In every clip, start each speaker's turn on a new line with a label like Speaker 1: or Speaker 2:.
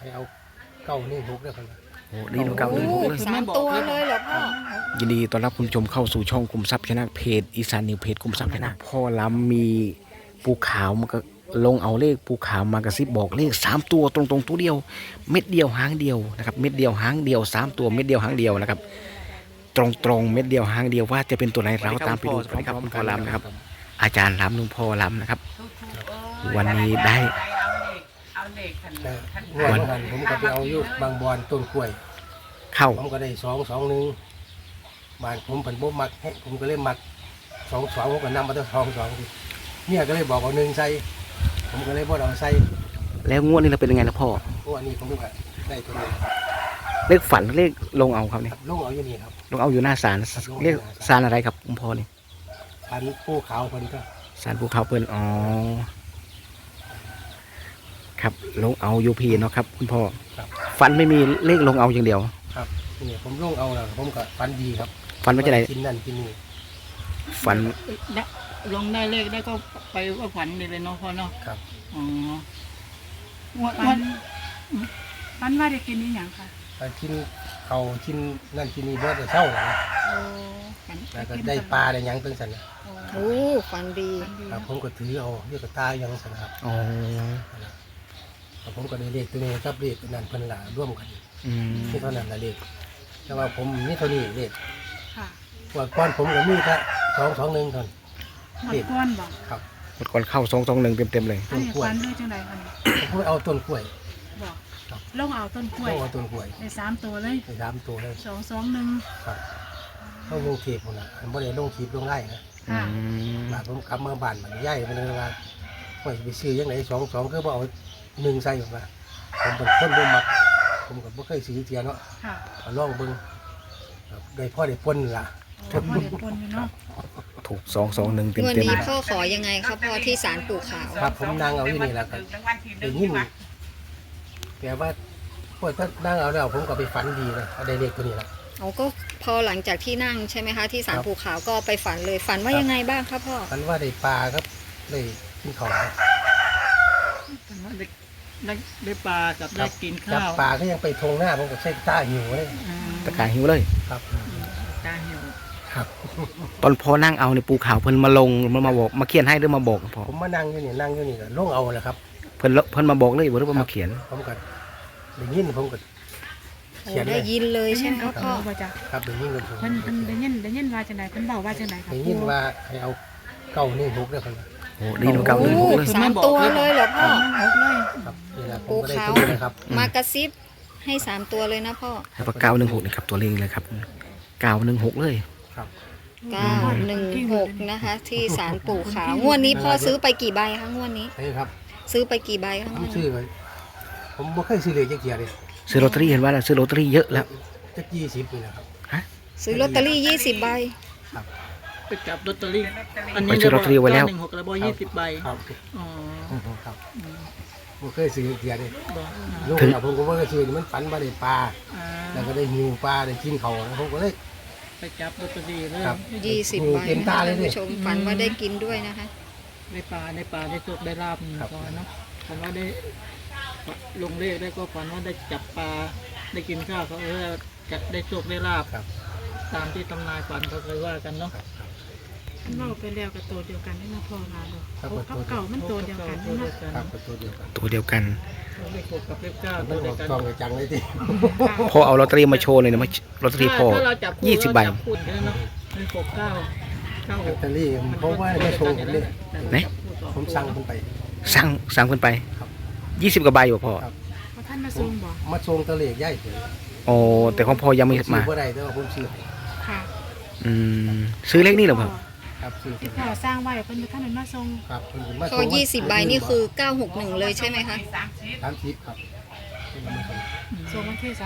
Speaker 1: ให้เอาเก้านี่6ได้คนละ
Speaker 2: โอ้ดีเก่าเลย
Speaker 3: 3 ตัวเลยเหรอพ่อ
Speaker 2: ยินดีต้อนรับคุณผู้ชมเข้าสู่ช่องคุมทรัพย์ชนะเพจอีสานนิวเพจคุมทรัพย์ชนะพ่อล้ำมีปูขาวมันก็ลงเอาเลขปูขาวมากระซิบบอกเลข3ตัวตรงๆตัวเดียวเม็ดเดียวหางเดียวนะครับเม็ดเดียวหางเดียว3ตัวเม็ดเดียวหางเดียวนะครับตรงเม็ดเดียวหางเดียวว่าจะเป็นตัวไหนเราตามไปดูพร้อมๆพ่อล้ำนะครับอาจารย์ล้ำลุงพ่อล้ำนะครับวันนี้ได้
Speaker 1: แต่งวดนั้นผมก็ไปเอาอยู่บางบอนต้นกล้วย
Speaker 2: เข้า
Speaker 1: ผมก็ได้221บานผมผันบ่มักผมก็เลยมัก22ผมก็นำมาตั้ง22เนี่ยก็เลยบอกเอา1ใส่ผมก็เลยบ่เอาใส่
Speaker 2: แล้วงวดนี้เราเป็นยังไงนะพ่อ
Speaker 1: เพราะอันนี้ผมก็ได้ตัวนี้
Speaker 2: เลขฝันเลขลงเอาครับเนี่ย
Speaker 1: ลงเอาอยู่นี่ครับ
Speaker 2: ลงเอาอยู่หน้าศาลเรียกศาลอะไรครับคุณพ่อนี่
Speaker 1: อันผู้ขาวคนก็
Speaker 2: ศาลภูเขาเปิ้นอ๋อครับลงเอายูพีเนาะครับคุณพ่อ
Speaker 1: ครับ
Speaker 2: ฝันไม่มีเลขลงเอาอย่างเดียว
Speaker 1: ครับนี่ผมลงเอาแล้วผมก็ฟันดีครับ
Speaker 2: ฝันว่าจะไหน
Speaker 1: กินนั่นกินนี่
Speaker 2: ฝัน
Speaker 4: ลงได้เลขได้ก็ไปว่าฝันดีเลยเนาะพ่อเนาะ
Speaker 1: ครับ
Speaker 4: อ๋อ
Speaker 5: ฝันว่าได้กินนี่หยังค่ะ
Speaker 1: ไปกินเขากินนั่นกินนี่บ่ได้เศร้าหรอกนะ
Speaker 4: ฝัน
Speaker 1: แล้วก็ได้ปลาได้หยังตั้งสันนะ
Speaker 3: โอ้ฝันดี
Speaker 1: ครับผมก็ถือเอาเรียกกระตายยังสันครับ
Speaker 2: อ๋อ
Speaker 1: ครับผมก็ได้เลขตัวนี้กับเลขนั่นเพิ่นละร่วมกัน
Speaker 2: อืม
Speaker 1: ที่เท่านั้นละเลขแต่ว่าผมนี่เท่านี้เลข
Speaker 5: ค่ะ
Speaker 1: ว่าก้อนผมก็มีแค่221เท่านั้น
Speaker 5: หมดก้อนบอก
Speaker 1: ครับ
Speaker 2: หมดก่อนเข้า221เต็มเลย
Speaker 5: อันนี้ฝันด้วยจังไดคะนี่
Speaker 1: ผมก็เอาต้นกล้วย
Speaker 5: บอก
Speaker 1: ครับ
Speaker 5: ลงเอาต้นกล้วย
Speaker 1: ต้องเอาต้นกล้วย
Speaker 5: ได้3 ตัวเลย
Speaker 1: ไป3ตัวเลย
Speaker 5: 221
Speaker 1: ครับต้องลงเทปผมนะผมบ่ได้ลงคลิปลงไล่นะ
Speaker 5: ค่ะ
Speaker 2: อืม
Speaker 1: บาดผมกลับมาบ้านมันใหญ่มันเลยว่าไม่ไปซื้อยังไง22ก็บ่เอา1ใส่ออกมาผมเป็นคนบ่มักผมก็บ่เคยซื้อเทียเนาะ
Speaker 5: ค่ะ
Speaker 1: เอาลองเบิ่งครับได้พ่อได้ปนล่ะ
Speaker 5: โอ้พ่อเด็กปนอยู่เนาะ
Speaker 2: ถูก221เต็ม
Speaker 3: งวด
Speaker 2: เต็ม
Speaker 3: นี้พ่อขอยังไงครับพ่อที่ศาลปู่ขาว
Speaker 1: ครับผมนั่งเอาอยู่นี่แหละครับได้ยินแต่ว่าพอถ้านั่งเอาแล้วผมก็ไปฝันดีเลยได้เลขตัวนี้ละ
Speaker 3: เขาก็พอหลังจากที่นั่งใช่ไหมคะที่ศาล
Speaker 1: ครับ
Speaker 3: ปู่ขาวก็ไปฝันเลยฝันว่ายังไงบ้างครับพ่อ
Speaker 1: ฝันว่าได้ปลาครับได้กินข้าวครับ
Speaker 4: ฝันว่าได้ปลากับได้กิน
Speaker 1: จับ
Speaker 4: ข้าว
Speaker 1: ปลาก็ยังไปทงหน้าผมก็ใช้ตาหิวเลย
Speaker 4: อืม
Speaker 2: ตะการหิวเลย
Speaker 1: ครับ
Speaker 4: ตาหิว
Speaker 1: ครับ
Speaker 2: ตอนพอนั่งเอาในปูขาวเพิ่นมาลงมาบอกมาเขียนให้หรือมาบอกพ่อ
Speaker 1: ผมมานั่งอยู่นี่นั่งอยู่นี่ก็ลงเอาแหละครับ
Speaker 2: เพิ่นมาบอกเลยหรือว่ามาเขียน
Speaker 1: ผมก็ได้ยินผมก็
Speaker 3: โอ้
Speaker 1: เขียนเล
Speaker 3: ได้
Speaker 1: ย
Speaker 3: ยินเลยใช่ไหม
Speaker 5: ค
Speaker 3: ค
Speaker 5: รั
Speaker 3: รั
Speaker 5: บบ พ่
Speaker 3: พ่
Speaker 5: อ
Speaker 3: อ
Speaker 5: ว่าจ้ะ
Speaker 1: ครับได้ยินกันผม
Speaker 5: เพิ่นได้ยินว่าจังไดเพิ่นเว้าว่าจังไดครับ
Speaker 1: ได้ยินว่าให้เอาเก้านี่6ได้คนละ
Speaker 2: โอ้ดีเก่าเลย
Speaker 3: โอ้
Speaker 2: เลย
Speaker 3: 3 ตัวเลยเหรอพ่อ
Speaker 5: 6เลย
Speaker 1: ครับนี่แหละผม
Speaker 3: ปู่
Speaker 1: ก็ได้
Speaker 3: ขาว
Speaker 1: ตัวนี้นะครับ
Speaker 3: มากระซิบให้ 3 ตัวเลยนะพ่อ
Speaker 2: แล้วก็916นะครับตัวเลขเลยครับ916เลย
Speaker 1: ครับ
Speaker 3: 916นะคะที่ศาลปู่ขาวงวดนี้พ่อซื้อไปกี่ใบคะงวดนี้
Speaker 1: นี่ครับ
Speaker 3: ซื้อไปกี่ใบคะ
Speaker 1: ผมซื้อไว้ผมบ่เคยซื้อเลยจักเทียเลย
Speaker 2: ซื้อลอตเตอรี่เห็นว่าซื้อลอตเตอรี่เยอะแล้ว
Speaker 1: จัก20นี่นะครับ
Speaker 3: ซื้อลอตเตอรี่20 ใบ
Speaker 4: ไปจับลอตเตอรี่อัน
Speaker 2: ไป
Speaker 4: นี้
Speaker 2: ซื้อลอตเตอรี่ไว้แล้ว
Speaker 4: 916แล้วบ่20 ใบ
Speaker 1: ครับ
Speaker 4: อ๋อ
Speaker 1: ครับบ่เคยซื้อจักเทียเลย
Speaker 4: บ่
Speaker 1: ลูกผมก็บ่เคยซื้อมันฝันว่าได้ปลา
Speaker 4: อ่า
Speaker 1: แล้วก็ได้หิวปลาได้กินเขาแล้วผมก็เลย
Speaker 4: ไปจับลอตเตอรี่เลย
Speaker 1: ครับ
Speaker 3: 20 ใบ
Speaker 1: เต็ม
Speaker 3: นะ
Speaker 1: ตา
Speaker 3: คะ
Speaker 1: เลย
Speaker 3: ท่าน
Speaker 1: ดิ
Speaker 3: ผู้ชมฝันว่าได้กินด้วยนะคะ
Speaker 4: ได้ปลาได้โชคได้ลาบนี่
Speaker 1: ครับ
Speaker 4: พอเนาะฝันว่าได้ลงเลขได้ก็ฝันว่าได้จับปลาได้กินข้าวเขาจะได้โชคได้ลาบ
Speaker 1: ครับ
Speaker 4: ตามที่ตำนายฝันเขาเคยว่ากันเนาะ
Speaker 1: ครับครับ
Speaker 5: เพิ่นเว้าไปแล้วก็ตัวเดียวกันนี่นะพ่อมาบ่
Speaker 1: ครับ
Speaker 5: หกกับเก่ามันตัวเดียวกันนี่เนาะ
Speaker 1: ครับก็ตัวเดียวกัน
Speaker 2: ตัวเดียวกัน
Speaker 4: เลขหกกับเลขเก้า
Speaker 1: มั
Speaker 4: ตั
Speaker 1: น
Speaker 4: ว
Speaker 1: อ
Speaker 4: เดีย
Speaker 1: อ
Speaker 4: ว
Speaker 1: ก
Speaker 4: กัน
Speaker 1: กล้องไปจังเลยที
Speaker 2: พอเอาลอตเตอรี่มาโชว์เลยนะมาลอตเตอรี่พอ
Speaker 4: ถ้าเราจับคู่
Speaker 2: 20 ใบ
Speaker 4: เราจัคู่กันเนาะเลขหกเก้าเก้าห
Speaker 1: ลอต
Speaker 4: ก
Speaker 1: เตอรี่เพราะว่าไม่โชว์ผมเลย
Speaker 2: ไหน
Speaker 1: ผมสั่งผมไป
Speaker 2: สั่งขึ้นไป
Speaker 1: ครับ
Speaker 2: 20 กว่าใบอยู่พ่อ
Speaker 1: ครับ
Speaker 5: ว่าท่านมาส่งบ่
Speaker 1: มาส่งตะเลขย่ายเลย
Speaker 2: โอ้แต่ของพ่อยังไม่
Speaker 1: ซื้
Speaker 2: มา
Speaker 1: อบ่ได้แต่ว่าผมซื้อให้
Speaker 5: ค่ะ
Speaker 2: อืมซื้อเลขนี่เหรอพ่อ
Speaker 1: ครับซื้อ
Speaker 5: ที่พ่อสร้างไว้เพิ่นบ่ทันได้มาส่ง
Speaker 1: ครับเพิ่นก็มา
Speaker 3: พอ20 ใบนี่คือ 961 เลยใช่ไหมคะ
Speaker 1: 30ครับเพิ่นก็มาส่ง
Speaker 5: ส่งวันที่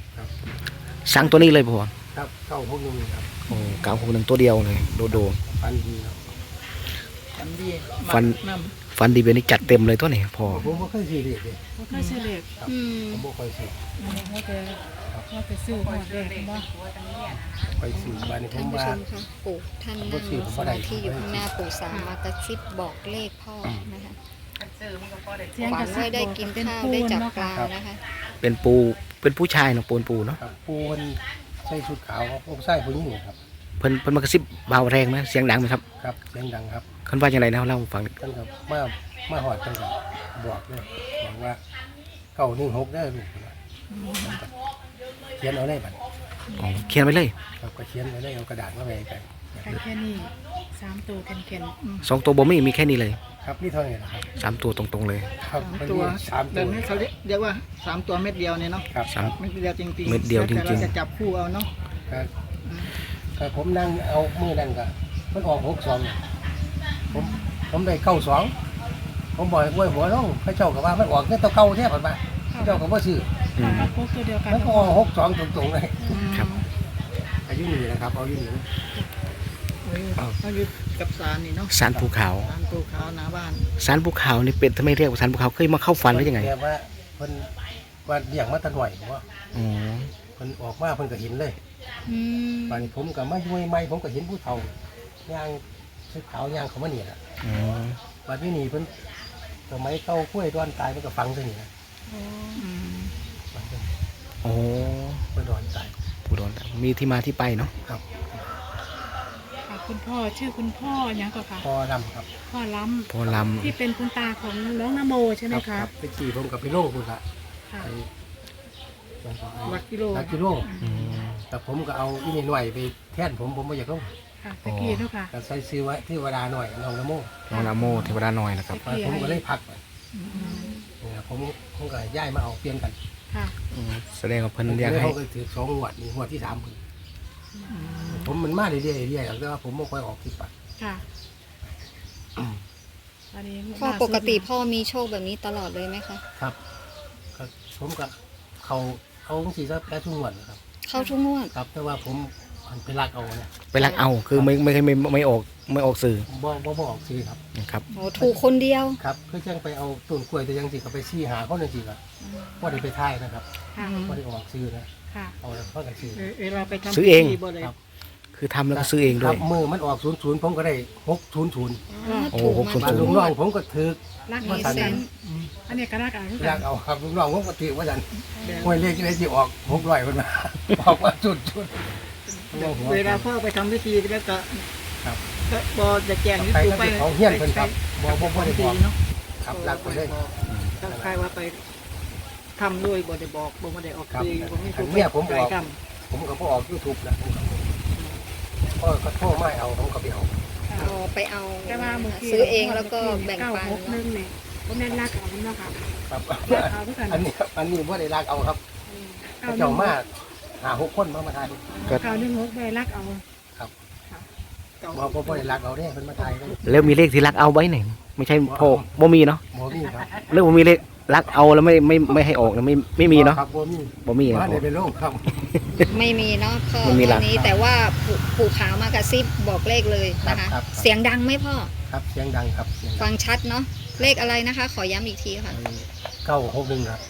Speaker 5: 30
Speaker 2: สั่งตัวนี้เลยพ่อ
Speaker 1: ครับเข้าพวกนึงครับ
Speaker 2: โอ้961ตัวเดียวเลยโด
Speaker 1: ฟันดีครับ
Speaker 4: ฝันดี
Speaker 2: ฝัน
Speaker 4: น้
Speaker 2: ฟันดีเบนนี่จัดเต็มเลยตัวนี้พ่อ
Speaker 1: ผมบ่เคยซื้อเลขเลย
Speaker 5: บ่เคยซื้อเลข
Speaker 1: ครับ
Speaker 3: อืม
Speaker 1: ผมบ่ค่อยซื้อ
Speaker 5: ว่าแต่ซื้อหอดเลขบ่
Speaker 1: ไปซื้อบ้านนี้ผ
Speaker 3: ท่าน
Speaker 1: ม
Speaker 3: ผู้
Speaker 1: ว่า
Speaker 3: ชมคะปู่ท่านนั่งสมาธิอยู่ข้างหน้าปู่สามมากระซิบบอกเลขพ่อนะคะ
Speaker 5: เสียง
Speaker 3: ฝั
Speaker 5: กระ
Speaker 3: น
Speaker 5: ซิ
Speaker 3: ว่า
Speaker 5: บ
Speaker 3: ได้
Speaker 5: บอก
Speaker 3: กิน
Speaker 5: เป็น
Speaker 3: ข้าว
Speaker 5: ปู
Speaker 3: ได้
Speaker 5: น
Speaker 3: จับ
Speaker 5: เนาะ
Speaker 3: ป
Speaker 5: ค่ะ
Speaker 3: ลานะคะ
Speaker 2: เป็นผู้ชายเนาะปูเนาะ
Speaker 1: ครับปูมันใส่ชุดขาวผมใส่ผู้หญิงครับ
Speaker 2: เพิ่นมากระซิบเบาแรงไหมเสียงดังไหมครับ
Speaker 1: ครับเสียงดังครับ
Speaker 2: เพิ่นว่าอย่างไรนะเล่าให้ฟังหน่อย
Speaker 1: ท่านก็มาหอดท่านก็บอกเลยบอกว่า916ได้อลูกนะเขียนเอาได้บัด
Speaker 2: อ๋อเขียนไว้เลย
Speaker 1: ครับก็เขียนไว้ได้เอากระดาษมาไว้กัน
Speaker 5: แค่นี้3ตัวแข็ง
Speaker 2: 2 ตัวบ่มีแค่นี้เลย
Speaker 1: ครับนี่เท่านี้นะครับ
Speaker 2: 3 ตัวตรงๆเลย
Speaker 1: ครับมัน
Speaker 4: ตัว
Speaker 1: มี3
Speaker 4: แบ
Speaker 1: ตัว
Speaker 4: บนี้เขาเรียกว่า3ตัวเม็ดเดียวเนี่ยเนาะ
Speaker 1: ครับ
Speaker 2: สาม
Speaker 4: เม็ดเดียวจริงๆ
Speaker 2: เม็ดเดียวจริงๆ
Speaker 4: แต่เราจะจับคู่เอาเนาะ
Speaker 1: ครับก็ผมนั่งเอามือนั่นก็มันออก62ผมได้92ผมบอกว่าหัวน้องพระเจ้าก็ว่ามันออกเงินตัวเก่าแท้ผ่านมาพระเจ้าก็บ่ซื้อ
Speaker 5: ๆค่ะพวกตัวเดียวกัน
Speaker 1: มันก็ออก62ตรงๆเลย
Speaker 2: ครับ
Speaker 1: อายุนี่นะครับเอาอยู่นี่นะ
Speaker 4: เราอยู่กับสารนี่เนาะ
Speaker 2: สารภูเขา
Speaker 4: สารภูเขาหน้าบ้าน
Speaker 2: สารภูเขานี่เป็นทำไมเรียกว่าสารภูเขาเคยมาเข้าฝันหรือยังไง
Speaker 1: แต่ว่าเพิ่นว่าเลี้ยงมาแตะหน่อยว่า
Speaker 2: อ๋อ
Speaker 1: เพิ่นออกมาเพิ่นก็เห็นเลย
Speaker 3: อืม
Speaker 1: ป่านนี้ผมก็มาอยู่ใหม่ๆผมก็เห็นผู้เฒ่าย่างชุดขาวย่างเขามาเนี่ยน่ะ
Speaker 2: อ๋อ
Speaker 1: บัดนี้นี่เพิ่นสมัยเก่ากล้วยดอนตายมันก็ฟังซะนี่นะ
Speaker 4: อืม
Speaker 1: ฟังซะ
Speaker 2: โอ้
Speaker 1: กล้วยดอนตาย
Speaker 2: ผู้โดนมีที่มาที่ไปเนาะ
Speaker 1: ครับ
Speaker 5: ค่ะคุณพ่อชื่อคุณพ่อหยังก็ค่ะ
Speaker 1: พอดำครับ
Speaker 5: พ่อล้
Speaker 2: พอล
Speaker 5: ำที่เป็นคุณตาของน้องนโมใช่ไหม
Speaker 1: ค
Speaker 5: คะ
Speaker 1: รับไปขี่ผมกับไปโลคุณละ
Speaker 5: ค่ะ
Speaker 1: ไป
Speaker 4: หลักกิโล
Speaker 1: ลักกิโล
Speaker 2: ำอืม
Speaker 1: แต่ผมก็เอาอีนี่หน่อยไปแทนผมบ่อยากลง
Speaker 5: ค่ะตะกี้เนาะค่ะ
Speaker 1: ก็ใส่ซื้อไว้ที่วดาหน่อยน้องละโม
Speaker 2: น้องนาโมเทวดาน้อยนะครับ
Speaker 1: ผมก็เลยพักไปเนี่ยผมก็ย้ายมาเอาเปลี่ยนกัน
Speaker 5: ค่ะ
Speaker 2: อืมแสดงว่าเพิ่น
Speaker 1: ผม
Speaker 2: อยาก
Speaker 1: เลย
Speaker 2: ให้
Speaker 1: เขาก็ถือ2 งวดนี่งวดที่3ผมมันมาเรื่อยๆเรื่อยๆแต่ว่าผมไม่ค่อยออกที่ปัด
Speaker 5: ค่ะอันนี้
Speaker 3: พ่อปกติพ่อมีโชคแบบนี้ตลอดเลยไหมคะ
Speaker 1: ครับก็ผมกับเขาสีซะแค่ทุกงวดนะครับ
Speaker 3: เข้าทุกงวด
Speaker 1: ครับแต่ว่าผมมันไปรักเอานะ
Speaker 2: ไปรักเอาคือไม่ออกสื่อ
Speaker 1: บ่ออกซื้อครับ
Speaker 2: นะครับ
Speaker 3: โอ้ถูกคนเดียว
Speaker 1: ครับเพื่อจังไปเอาต้นกล้วยแต่ยังสิก็ไปซี่หาเขาหนึ่งสิครับว่าได้ไปท่ายนะครับ
Speaker 5: ค่ะ
Speaker 1: ว่าได้ออกซื้อนะ
Speaker 5: ค่ะ
Speaker 1: เอาแล้วเขากันซื้อ
Speaker 4: เวลาไปทำ
Speaker 2: ซื้อเอง
Speaker 4: พิธีบ่ได้
Speaker 1: ครับ
Speaker 2: คือทำแล้วก็ซื้อเองด้
Speaker 1: ครั
Speaker 2: วย
Speaker 1: บมือมันออก00ผมก็ได้600
Speaker 2: โอ้
Speaker 3: ถูก
Speaker 2: หก
Speaker 3: มา
Speaker 2: ศูนย์
Speaker 1: มาลุงน้องผมก็ถือ
Speaker 5: รัก
Speaker 1: ว่า
Speaker 5: มี
Speaker 1: สัน
Speaker 5: เซนอันนี้ก็รักอ่ะ
Speaker 1: รักเอาครับลุงน้องผมก็ถือว่าสัน
Speaker 4: แบบ
Speaker 1: หวยเลขที่ได้ที่ออก600คนมา ออกมาจุด
Speaker 4: เวลาพ่อไปทำพิธีแล้วก็
Speaker 1: ครับ
Speaker 4: ก็บอจะแจ้งที่
Speaker 1: ไป
Speaker 4: ปู่
Speaker 1: แล้ว
Speaker 4: ไป
Speaker 1: ไปเขาเฮี้ยนเพิ่นครับบ่ได้
Speaker 4: พิ
Speaker 1: บ
Speaker 4: ธี
Speaker 1: อก
Speaker 4: เนาะ
Speaker 1: ครับรักไปเลย
Speaker 4: ถ้าใครว่าไปทำด้วยบ่ได้บอกบ่ได้ออก
Speaker 1: ครับ
Speaker 4: สื่อบ่ไม่ถูก
Speaker 1: เนี่ยผมบอก
Speaker 4: ใครท
Speaker 1: ผมก็พอออก YouTube นะพ่อก็โทรไม่เอาผมก็ไปเอา
Speaker 3: เอาไปเอา
Speaker 5: แต่ว่าเมื่อกี้
Speaker 3: ซื้อเองแล้วก็แบ่งปัน
Speaker 5: 961เนี่ยก็แม่นรักเอาเนาะค่ะ
Speaker 1: ครับ
Speaker 5: รักเอาทุกคน
Speaker 1: อันนี้ว่าได้รักเอาครับเจ้ามาก5-6 คนมาทาย
Speaker 5: 916ได้รักเอา
Speaker 4: ำ
Speaker 1: บ่ได้รักเอาเนี่ยเพิ่นมาทายกัน
Speaker 2: แล้วมีเลขที่รักเอาไว้ไหนไม่ใช่พ่อบ่มีเนาะ
Speaker 1: บ่มีครับ
Speaker 2: เรื่องบ่มีเลขรักเอาแล้วไม่ให้ออกนะไม่มีเนาะ
Speaker 1: ครับบ่มี
Speaker 2: บ่มีนะ
Speaker 1: ว่า
Speaker 2: พ่
Speaker 1: ได้
Speaker 2: อ
Speaker 1: เป็นโรคครับ
Speaker 3: ไม่มีเนาะพ่อ
Speaker 2: ไม่มีหลั
Speaker 3: วั
Speaker 2: ก
Speaker 3: นนี้แต่ว่าปู่ขาวมากระซิบบอกเลขเลยนะคะ
Speaker 1: ครับ
Speaker 3: เสียงดังไหมพ่อ
Speaker 1: ครับเสียงดังครับเสียง
Speaker 3: ฟังชัดเนาะเลขอะไรนะคะ ขอย้ำอีกทีค่ะ
Speaker 1: 961ครับ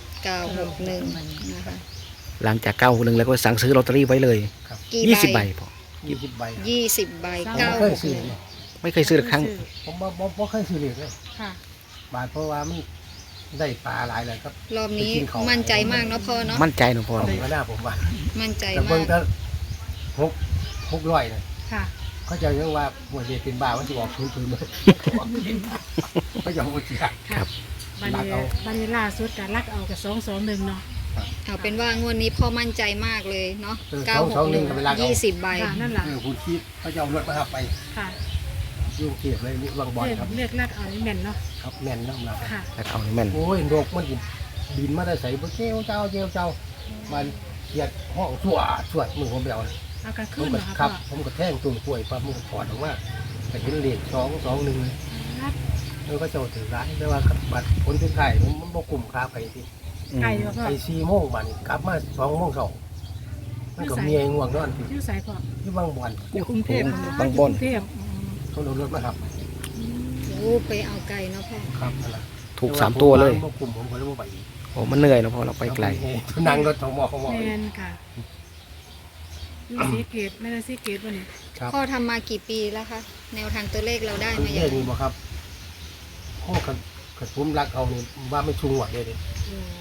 Speaker 3: 961นะคะ
Speaker 2: หลังจาก9 แล้วก็สั่งซื้อลอตเตอรี่ไว้เลย
Speaker 3: กี่
Speaker 2: 20 ใบพ่อ
Speaker 1: 20ใบครับ
Speaker 3: 20 ใบ
Speaker 1: ผมบ่เคยซื้อเลย
Speaker 2: ไม่เคยซื้อละครั้ง
Speaker 1: ผมบ่เคยซื้อเลย
Speaker 5: ค่ะ
Speaker 1: บาทเพราะว่ามันได้ปลาหลายเลยครับ
Speaker 3: รอบนี้
Speaker 1: ไปกินของ
Speaker 3: มั่นใจมากเนาะพ่อเนาะ
Speaker 2: มั่นใจเนาะพ่อ
Speaker 1: ผมก็น่าผมว่า
Speaker 3: มั่นใจ
Speaker 1: แต่
Speaker 3: มา
Speaker 1: เบิ่ง
Speaker 3: ก
Speaker 1: ถ้า600นะ
Speaker 5: ค่ะ
Speaker 1: เขาจะยังว่าหวยเรียนเป็นบ้าว่าสิออก00เลยเขาจะบ่เสีย
Speaker 2: ครับ
Speaker 5: บันนี้บันนี้ล่าสุดก็รักเอากับ221เนาะ
Speaker 3: เอาเป็นว่างวดนี้พ่อมั่นใจมากเลยเนาะ
Speaker 1: 221ก็ไปรักเอา
Speaker 3: 20 ใบ
Speaker 5: ค่ะนั่นแหละ
Speaker 1: คุณคิดเขาจะเอารถมาขับไป
Speaker 5: ค่ะ
Speaker 1: ยุ่งเกียบเลยนี่วางบอลครับ
Speaker 5: เรียกรักเอานี่แม่นเนาะ
Speaker 1: ครับแม่นน้ำหนัก
Speaker 5: ค่ะ
Speaker 2: รักเอานี่แม่น
Speaker 1: โอ้ยโรคมันบินมาได้ใส่บ่เจ้ามันเกียดห้องชั่วสวดมือผมไปเอา
Speaker 5: เอากระ
Speaker 1: ผ
Speaker 5: ขึ้
Speaker 1: ม
Speaker 5: นเหร
Speaker 1: ก็
Speaker 5: อ
Speaker 1: ครั
Speaker 5: คะ
Speaker 1: บ ผมก็แท่งตุ่มกล้วยปั๊บมันก็ถอดออกมาแต่เห็นเลข221
Speaker 5: รัก
Speaker 1: แล้วก็เจ้าถือร้ายแต่ว่าบัตรผลที่ไข่มันบ่กลุ่มค้าไปที่
Speaker 5: ไก่เหรอพ่อ
Speaker 1: ไป4โมงบัดนี้กลับมา2โมงเช้ามันก็เมียง่วงนอนที่
Speaker 5: ชื่อสายพ่อ
Speaker 1: ที่บางบ่อน
Speaker 4: อยู่กรุงเทพ
Speaker 2: บางบ่อน
Speaker 5: กรุงเทพ
Speaker 1: เขาเอารถมาครับ
Speaker 3: โอ้ไปเอาไก่เนาะพ่อ
Speaker 1: ครับนั่นล่ะ
Speaker 2: ถูก3 ตัวเลย
Speaker 1: บ่กลุ่มผมก็เลยบ่ไปอีก
Speaker 2: โอ้มันเหนื่อยเนาะพ่อเราไปไกล
Speaker 1: นั่งรถทมอ
Speaker 5: แม่นค่ะอยู่สีเกตแม่นสีเกตวันนี้
Speaker 1: ครับ
Speaker 3: พ่อทำมากี่ปีแล้วคะแนวทางตัวเลขเราได้
Speaker 1: มัน
Speaker 3: มาอ
Speaker 1: เรื่
Speaker 3: ย่า
Speaker 1: อง
Speaker 3: ง
Speaker 1: นี้บ่ครับโอ้ขัดผมรักเอานี่ว่าไม่ชุงหวดเลยเด้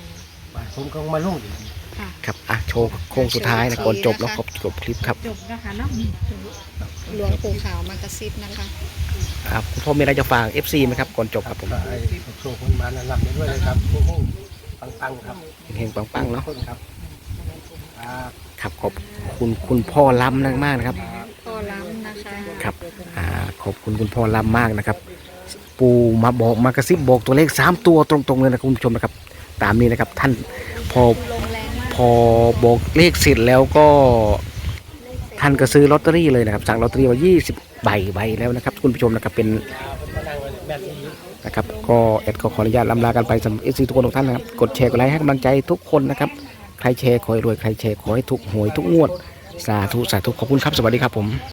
Speaker 1: ผมก็มาลงอีก
Speaker 5: ค่ะ
Speaker 2: ครับอ่ะโชว์โค้งสุดท้ายนะก่อนจบแล้วก็จบคลิปครับ
Speaker 5: จบนะคะเนาะ
Speaker 3: หลวงปู่ขาวมากระซิบนะคะ
Speaker 2: คุณพ่อมีอะไรจะฝาก FC ไหมครับก่อนจบครับผม
Speaker 1: ก็ไอ้โชคคนมานั่นรับได้ด้วยเลยครับโอ้โหปังๆครับ
Speaker 2: เฮงๆปังๆเนาะ
Speaker 1: คนครับครับ
Speaker 2: ครับขอบคุณคุณพ่อล้ำมากๆนะครับ
Speaker 3: พ่อล้ำนะคะ
Speaker 2: ครับขอบคุณคุณพ่อล้ำมากนะครับ ปู่มาบอกมากระซิบบอกตัวเลข3ตัวตรงๆเลยนะคุณผู้ชมนะครับ ตามนี้นะครับท่านพอ
Speaker 3: ลมแรงมาก
Speaker 2: พอบอกเลขเสร็จแล้วก็ท่านก็ซื้อลอตเตอรี่เลยนะครับสั่งลอตเตอรี่มา20 ใบแล้วนะครับคุณผู้ชมนะครับเป็น
Speaker 1: มานั่งเลยแม่ที่
Speaker 2: นะครับก็แอดก็ขออนุญาตลำลากันไปสำหรับ FC ทุกคนทุกท่านนะครับกดแชร์กดไลค์ให้กำลังใจทุกคนนะครับใครแชร์ขอให้รวยใครแชร์ขอให้ถูกหวยทุกงวดสาธุขอบคุณครับสวัสดีครับผม